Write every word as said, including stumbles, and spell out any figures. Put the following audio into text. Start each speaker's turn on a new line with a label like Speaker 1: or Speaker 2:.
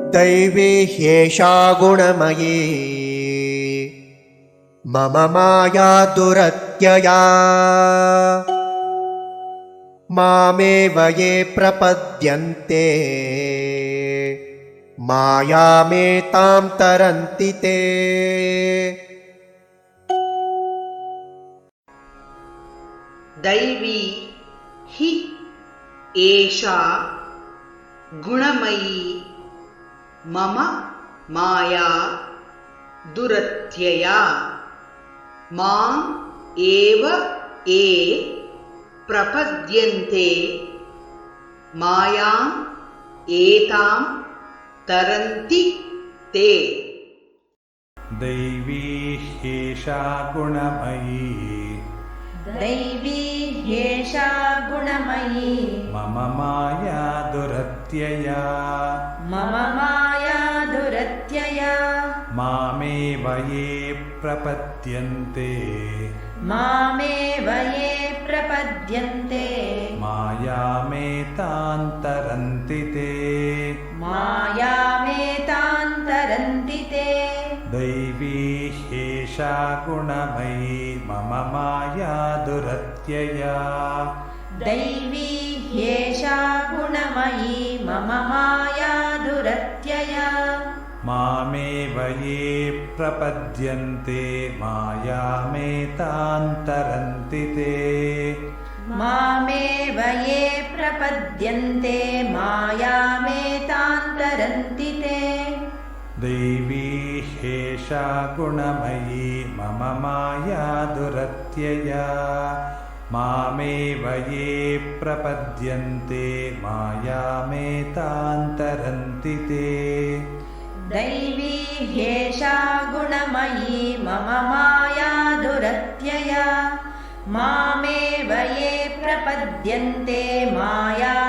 Speaker 1: दैवी ह्येषा गुणमयी मम माया दुरत्यया मामेव ये प्रपद्यन्ते मायामेतां तरन्ति ते।
Speaker 2: दैवी हि एषा गुणमयी मम माया दुरत्यया माम् एव ये प्रपद्यन्ते मायाम् एतां तरन्ति ते।
Speaker 3: दैवी ह्येषा गुणमयी
Speaker 4: दैवी ह्येषा गुणमयी
Speaker 3: मम माया दुरत्यया
Speaker 4: मम माया दुरत्यया
Speaker 3: मामेव ये प्रपद्यन्ते
Speaker 4: मामेव ये प्रपद्यन्ते
Speaker 3: मायामेतां तरन्ति ते।
Speaker 4: मायामेतां तरन्ति ते।
Speaker 3: दैवी ह्येषा गुणमयी मम माया दुरत्यया
Speaker 4: दैवी ह्येषा गुणमयी मम माया दुरत्यया
Speaker 3: मामेव ये प्रपद्यन्ते मायामेतां तरन्ति ते।
Speaker 4: मामेव ये प्रपद्यन्ते मायामेतां तरन्ति ते।
Speaker 3: दैवी ह्येषा गुणमयी मम माया दुरत्यया मामेव ये प्रपद्यन्ते मायामेतां तरन्ति ते।
Speaker 4: दैवी ह्येषा गुणमयी मम माया दुरत्यया मामेव ये प्रपद्यन्ते माया